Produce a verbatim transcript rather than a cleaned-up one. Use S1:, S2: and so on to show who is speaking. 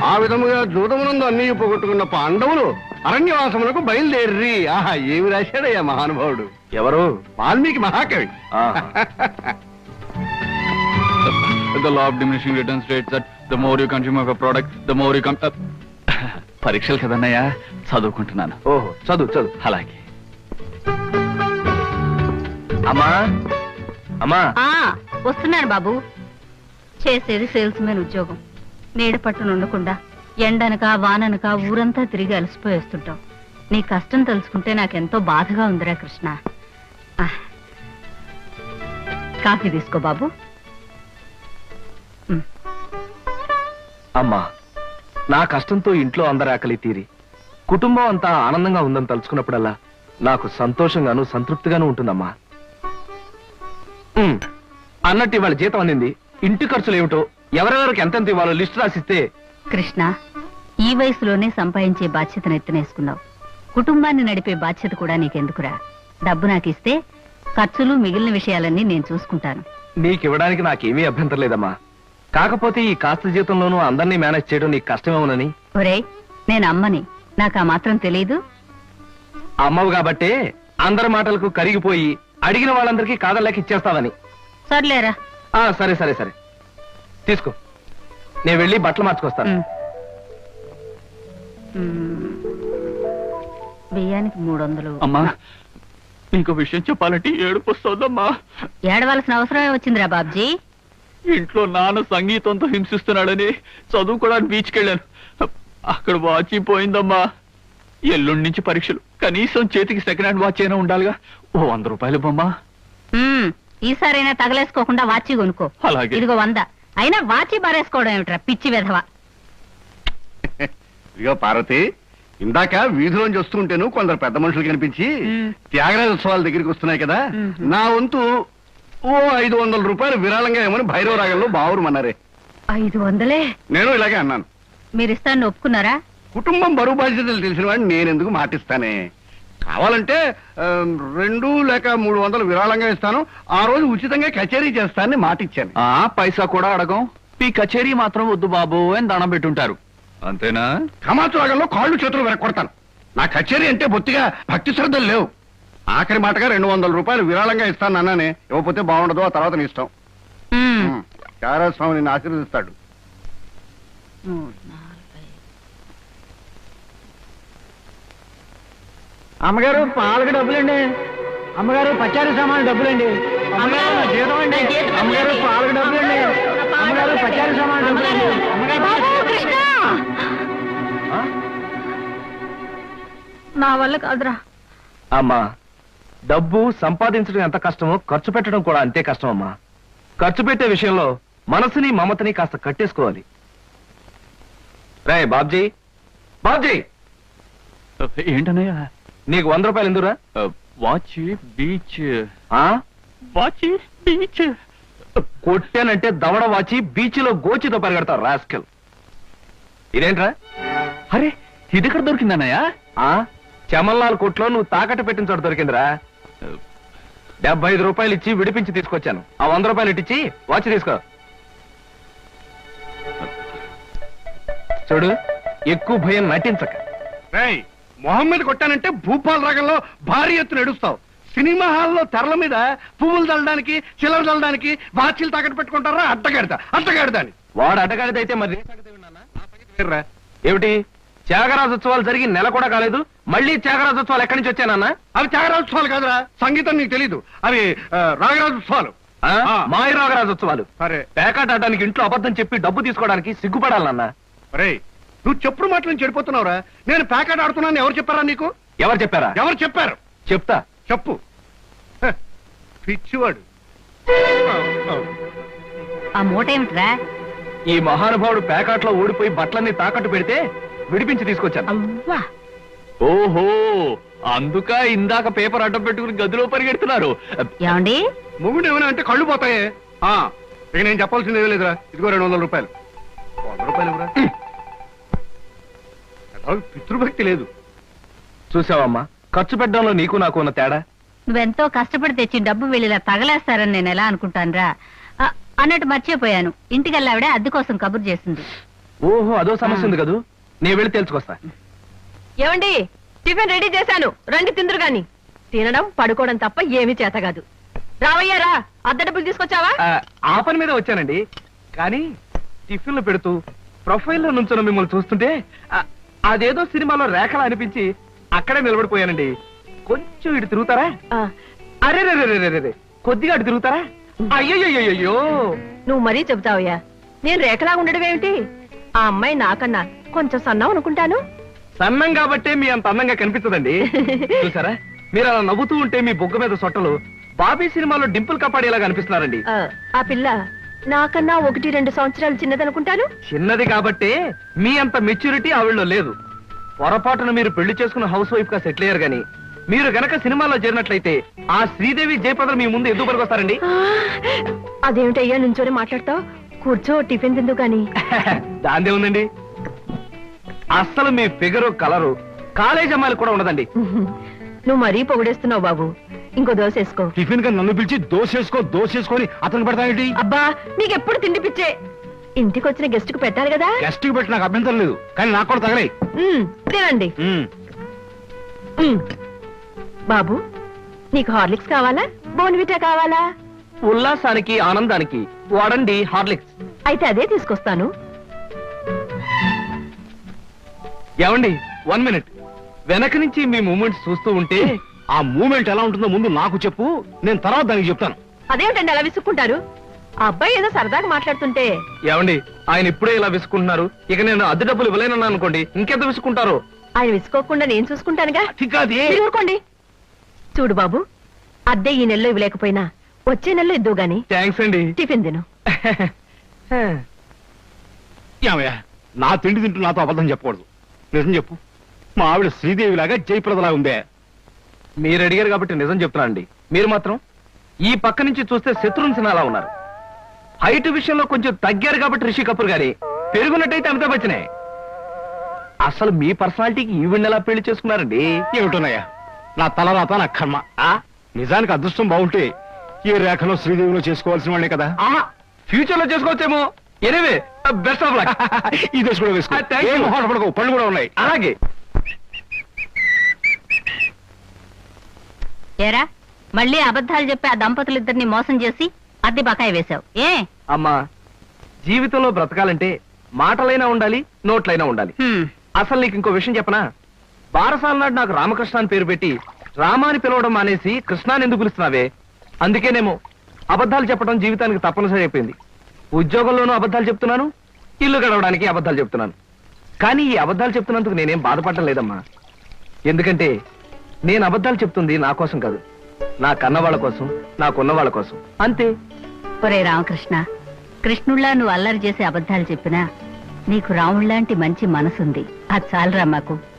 S1: ఆ విధముగా జూదమునందు అన్ని పోగొట్టుకున్న పాండవులు అరణ్యవాసములకు బయలుదేర్రి. ఆహా, ఏమి రాశాడయ్యా మహానుభావుడు.
S2: ఎవరు?
S1: వాల్మీకి మహాకవి.
S2: The law of diminishing returns states that the more you consume of a product, the more you come. పరీక్షలు కదన్నయ్యా, చదువుకుంటున్నాను.
S3: ఓహో, చదువు చదువు.
S2: అలాగే.
S3: అమ్మా అమ్మా
S4: వస్తున్నాను బాబు. చేసేది సేల్స్ మెన్ ఉద్యోగం. నీడ పట్టును ఉండకుండా ఎండనక వాననక ఊరంతా తిరిగి అలసిపోయి వస్తుంటాం. నీ కష్టం తెలుసుకుంటే నాకెంతో బాధగా ఉందిరా కృష్ణ. కాఫీ తీసుకో బాబు.
S3: అమ్మా, నా కష్టంతో ఇంట్లో అందరి ఆకలి తీరి కుటుంబం అంతా ఆనందంగా ఉందని తలుచుకున్నప్పుడల్లా నాకు సంతోషంగాను సంతృప్తిగాను ఉంటుందమ్మా. అన్నట్టు ఇవాళ జీతం అందింది. ఇంటి ఖర్చులు ఏమిటో, ఎవరెవరికి ఎంతెంత ఇవ్వాలో లిస్టు రాసిస్తే.
S4: కృష్ణ, ఈ వయసులోనే సంపాదించే బాధ్యతను ఎత్తునేసుకున్నావు. కుటుంబాన్ని నడిపే బాధ్యత కూడా నీకెందుకురా? డబ్బు నాకు ఇస్తే ఖర్చులు మిగిలిన విషయాలన్నీ నేను చూసుకుంటాను.
S3: నీకివ్వడానికి నాకేమీ అభ్యంతరం లేదమ్మా. కాకపోతే ఈ కాస్త జీతంలోనూ అందరినీ మేనేజ్ చేయడం నీకు కష్టమేమోనని.
S4: ఒరేయ్, నేను అమ్మని, నాకు ఆ మాత్రం తెలీదు.
S3: అమ్మవు కాబట్టే అందరి మాటలకు కరిగిపోయి అడిగిన వాళ్ళందరికీ కాదలేక ఇచ్చేస్తావని.
S4: సర్లేరా.
S3: సరే సరే సరే తీసుకో, నేను వెళ్ళి బట్టలు మార్చుకొస్తాను.
S4: బియ్యానికి మూడు వందలు.
S2: అమ్మా, నీకు విషయం చెప్పాలంటే ఏడుపు వస్తుందమ్మా.
S4: ఏడవలసిన అవసరమే వచ్చిందిరా బాబ్జీ.
S2: ఇంట్లో నాన్న సంగీతంతో హింసిస్తున్నాడని చదువుకోవడానికి బీచ్కి వెళ్ళాను. అక్కడ వాచ్ పోయిందమ్మా. ఎల్లుండి నుంచి పరీక్షలు. కనీసం చేతికి సెకండ్ హ్యాండ్ వాచ్ అయినా ఉండాలిగా. ఓ వంద రూపాయలు బొమ్మా.
S4: ఈసారైనా తగలేసుకోకుండా వాచి కొనుక్కో.
S2: అలాగే.
S4: ఇదిగో వంద. అయినా వాచి బారేసుకోవడం ఏమిట్రా పిచ్చి వెధవ.
S1: ఇదిగో పార్వతి, ఇందాక వీధిలోంచి వస్తుంటేను కొందరు పెద్ద మనుషులు కనిపించి త్యాగరాజ ఉత్సవాల దగ్గరికి వస్తున్నాయి కదా, నా వంతు ఓ ఐదు వందల రూపాయలు విరాళంగా ఏమని భైరవ రాగంలో బావురమన్నారే.
S4: ఐదు వందలే?
S1: నేను ఇలాగే అన్నాను.
S4: మీరిస్తాను ఒప్పుకున్నారా?
S1: కుటుంబం బరువు బాధ్యతలు తెలిసిన వాడిని నేనెందుకు మాటిస్తానే. కావాలంటే రెండు లేక మూడు వందలు విరాళంగా ఇస్తాను, ఆ రోజు ఉచితంగా కచేరీ చేస్తానని మాటిచ్చాను.
S2: ఆ పైసా కూడా అడగం. మీ కచేరీ మాత్రం వద్దు బాబు అని దండం పెట్టుంటారు, అంతేనా?
S1: కమాతు రాగంలో కాళ్ళు చేతులు వెరకొడతాను. నా కచేరీ అంటే బొత్తిగా భక్తి శ్రద్ధలు లేవు. ఆఖరి మాటగా రెండు వందల రూపాయలు విరాళంగా ఇస్తాను అన్నానే. ఇవ్వకపోతే బాగుండదు, ఆ తర్వాత నీ ఇష్టం. త్యాగరాజ స్వామి నిన్ను ఆశీర్వదిస్తాడు.
S5: అమ్మగారు పాలకు డబ్బులండి. అమ్మగారు పచారీ సామాన్ డబ్బులండి. అమ్మగారు జీతం అండి. అమ్మగారు పాలకు డబ్బులండి. అమ్మగారు పచారీ సామాన్ డబ్బులండి.
S4: నా వల్ల కాదురా.
S3: అమ్మా, డబ్బు సంపాదించడం ఎంత కష్టమో ఖర్చు పెట్టడం కూడా అంతే కష్టం అమ్మా. ఖర్చు పెట్టే విషయంలో మనసుని మమతని కాస్త కట్టేసుకోవాలి. రే బాబ్జీ, బాబ్జీ
S2: ఏంటన్నయ్యా?
S3: నీకు వంద రూపాయలు ఎందురా?
S2: Watch beach.
S3: వాచ్ బీచ్ కొట్టానంటే దవడ వాచి బీచ్లో గోచితో పరిగెడతారు రాస్కెల్. ఇదేంట్రా?
S2: అరే, ఇది ఎక్కడ దొరికిందన్నయ్యా?
S3: చమల్లాల్ కొట్లో నువ్వు తాకట్టు పెట్టిన చోట దొరికిందిరా. డెబ్బై ఐదు రూపాయలు ఇచ్చి విడిపించి తీసుకొచ్చాను. ఆ వంద రూపాయలు ఇట్టించి వాచ్ తీసుకో. చూడు, ఎక్కువ భయం నటించక.
S1: మొహమ్మద్ కొట్టానంటే భూపాల్ రాగంలో భారీ ఎత్తున ఎడుస్తావు. సినిమా హాల్లో తెరల మీద పువ్వులు చల్లడానికి చిల్లర చల్లడానికి వాచీలు తాకట్టు పెట్టుకుంటారా? అడ్డగాడిదా అడ్డగాడిదా అని.
S3: వాడు అడ్డగాడిదైతే మరి ఏమిటి? త్యాగరాజోత్సవాలు జరిగి నెల కూడా కాలేదు, మళ్ళీ త్యాగరాజోత్సవాలు ఎక్కడి నుంచి వచ్చానన్నా?
S1: అవి త్యాగరాజోత్సవాలు కాదురా, సంగీతం నీకు తెలీదు. అవి రాగరాజోత్సవాలు,
S3: మాయ రాగరాజోత్సవాలు.
S1: సరే,
S3: పేకాట ఆడడానికి ఇంట్లో అబద్ధం చెప్పి డబ్బు తీసుకోవడానికి సిగ్గుపడాలన్నా.
S1: అరే, నువ్వు చెప్పుడు మాటలు చెడిపోతున్నావురా. నేను పేకాట ఆడుతున్నాను ఎవరు చెప్పారా నీకు?
S3: ఎవరు చెప్పారా?
S1: ఎవరు చెప్పారు?
S3: చెప్తా,
S1: చెప్పు. పిచ్చివాడు.
S4: ఆ మూట ఏమిట్రా?
S3: ఈ మహానుభావుడు పేకాట్లో ఓడిపోయి బట్టలన్నీ తాకట్టు పెడితే విడిపించి తీసుకొచ్చాను.
S2: ఓహో, అందుక ఇందాక పేపర్ అడ్డం పెట్టుకుని గదిలో పరిగెడుతున్నారు.
S4: ఏమండి,
S1: మొగుడు ఏమైనా అంటే కళ్ళు పోతాయే. ఇక నేను చెప్పాల్సింది ఏమీ లేదురా. ఇదిగో రెండు వందల రూపాయలు. వంద రూపాయలు ఇవ్వరా? పితృభక్తి లేదు.
S3: చూసావమ్మా, ఖర్చు పెట్టడంలో నీకు నాకు ఉన్న తేడా.
S4: నువ్వెంతో కష్టపడి తెచ్చి డబ్బు వెళ్ళిలా తగలేస్తారని నేను ఎలా అనుకుంటానురా. అన్నట్టు మర్చిపోయాను, ఇంటికెళ్ళావిడే అద్దె కోసం కబురు చేసింది.
S3: ఓహో అదో సమస్య ఉంది కదూ, నేను వెళ్ళి తెలుసుకొస్తా.
S6: ఏమండి, టిఫిన్ రెడీ చేశాను, రండి తిందురు గాని. తినడం పడుకోవడం తప్ప ఏమీ చేత కాదు. రావయ్యారా, అద్దె డబ్బులు తీసుకొచ్చావా?
S3: ఆ, ఆ పని మీద వచ్చానండి. కానీ టిఫిన్లు పెడుతూ ప్రొఫైల్లో నుంచున్న మిమ్మల్ని చూస్తుంటే ఆ, అదేదో సినిమాలో రేఖలా అనిపించి అక్కడే నిలబడిపోయానండి. కొంచెం ఇటు తిరుగుతారా?
S6: ఆ,
S3: అరే రే రే రే రే కొద్దిగా అటు తిరుగుతారా? అయ్యయ్యో,
S6: నువ్వు మరీ చెబుతావయ్యా. నేను రేఖలా ఉండడం ఏమిటి? ఆ అమ్మాయి నాకన్నా కొంచెం సన్నం అనుకుంటాను.
S3: సన్నం కాబట్టే మీ అంత అందంగా కనిపించదండి. చూసారా, మీరు అలా నవ్వుతూ ఉంటే మీ బొగ్గ మీద సొట్టలు బాబీ సినిమాలో డింపుల్ కపాడేలాగా అనిపిస్తున్నారండి.
S6: ఆ, ఆ పిల్ల నాకన్నా ఒకటి రెండు సంవత్సరాలు చిన్నదనుకుంటాను.
S3: చిన్నది కాబట్టే మీ అంత మెచ్యూరిటీ ఆవిడలో లేదు. పొరపాటున మీరు పెళ్లి చేసుకున్న హౌస్ వైఫ్ గా సెటిల్ అయ్యారు గాని మీరు గనక సినిమాలో చేరినట్లయితే ఆ శ్రీదేవి జయప్రద మీ ముందు ఎందుకు పనికొస్తారండి?
S6: ఆ, అదేమిటయ్యా నుంచోనే మాట్లాడతావు? కూర్చో, టిఫిన్ తిందు గాని.
S3: దాందే ఉందండి. అస్సలు మీ ఫిగరు కలరు కాలేజ్ అమ్మాయిలు కూడా ఉండదండి.
S6: నువ్వు మరీ పొగిడేస్తున్నావు బాబు. ఇంకో దోశ వేసుకో.
S1: టిఫిన్ గా నన్ను పిలిచి దోసేసుకో దోసేసుకొని అతను పెడతానేంటి?
S6: అబ్బా, నీకెప్పుడు తిండి పిచ్చే. ఇంటికి వచ్చిన గెస్ట్ కు పెట్టాలి కదా.
S1: గెస్ట్ కి పెట్టి నాకు అభ్యంతరం లేదు, కానీ నాకు కూడా తగలే.
S6: ఉమ్, తినండి. ఉమ్. బాబు, నీకు హార్లిక్స్ కావాలా, బోన్విటా కావాలా?
S3: ఉల్లాసానికి ఆనందానికి వాడండి హార్లిక్స్.
S6: అయితే అదే తీసుకొస్తాను.
S3: ఏమండి, వన్ మినిట్. వెనక నుంచి మీ మూమెంట్స్ చూస్తూ ఉంటే
S1: ఆ మూమెంట్ ఎలా ఉంటుందో ముందు నాకు చెప్పు, నేను తర్వాత దానికి చెప్తాను.
S6: అదేమిటండి అలా విసుక్కుంటారు? ఆ అబ్బాయి ఏదో సరదాగా మాట్లాడుతుంటే.
S3: ఏమండి, ఆయన ఇప్పుడే ఇలా విసుకుంటున్నారు, ఇక నేను అద్దె డబ్బులు ఇవ్వలేనన్నా అనుకోండి, ఇంకెంత విసుకుంటారు.
S6: ఆయన విసుకోకుండా నేను చూసుకుంటానుగా.
S1: చిక్కాది.
S6: మీరు ఊరుకోండి. చూడు బాబు, అద్దె ఈ నెలలో ఇవ్వలేకపోయినా వచ్చే నెలలో ఇద్దు గాని.
S3: థ్యాంక్స్ అండి.
S6: టిఫిన్ తిను.
S1: ఏమయ్యా, నా తిండి తింటూ నాతో అబద్ధం చెప్పకూడదు. నిజం చెప్పు, మా ఆవిడ శ్రీదేవి లాగా జయప్రదలా ఉందే?
S3: మీరు అడిగారు కాబట్టి నిజం చెప్తున్నానండి. మీరు మాత్రం ఈ పక్క నుంచి చూస్తే శత్రుఘ్న సిన్హా ఉన్నారు. హైట్ విషయంలో కొంచెం తగ్గారు కాబట్టి రిషి కపూర్ గారి, పెరుగున్నట్టయితే అమితాబ్ బచ్చనే. అసలు మీ పర్సనాలిటీకి ఈవిడ్ని ఎలా పెళ్లి చేసుకున్నారండి?
S1: ఏమిటోనయ్యా, నా తలరాత నా కర్మ. ఆ నిజానికి అదృష్టం బాగుంటే ఈ రేఖలో శ్రీదేవిలో చేసుకోవాల్సిన వాళ్ళే కదా.
S3: ఫ్యూచర్ లో చేసుకోవచ్చేమో. Anyway, best of luck.
S1: ఈ దశ కూడా వేసుకో.
S3: ఆ, thank you.
S1: ఏం మొహమాటపడకు, పళ్ళు కూడా ఉన్నాయి.
S3: అలాగే.
S4: ఏరా, మళ్ళీ అబద్ధాలు చెప్పి ఆ దంపతులిద్దరిని మోసం చేసి అద్దె బకాయి వేశావు ఏ?
S3: అమ్మా, జీవితంలో బ్రతకాలంటే మాటలైనా ఉండాలి, నోట్లైనా ఉండాలి.
S4: హ్మ్.
S3: అసలు నీకు ఇంకో విషయం చెప్పనా? బారసాల నాడు నాకు రామకృష్ణ అని పేరు పెట్టి రామాని పిలవడం మానేసి కృష్ణాని ఎందుకు పిలుస్తున్నావే? అందుకేనేమో అబద్ధాలు చెప్పడం జీవితానికి తప్పనిసరి అయిపోయింది. ఉద్యోగంలోనూ అబద్ధాలు చెప్తున్నాను, ఇల్లు గడవడానికి అబద్ధాలు చెప్తున్నాను. కానీ ఈ అబద్ధాలు చెప్తున్నందుకు నేనేం బాధపడటం లేదమ్మా. ఎందుకంటే నేను అబద్ధాలు చెప్తుంది నా కోసం కాదు, నా కన్నవాళ్ల కోసం, నాకున్న వాళ్ళ కోసం, అంతే.
S4: ఒరే రామకృష్ణ, కృష్ణుళ్ళ నువ్వు అల్లరి చేసి అబద్ధాలు చెప్పినా నీకు రాముళ్లాంటి మంచి మనసుంది. అది చాలరా మాకు.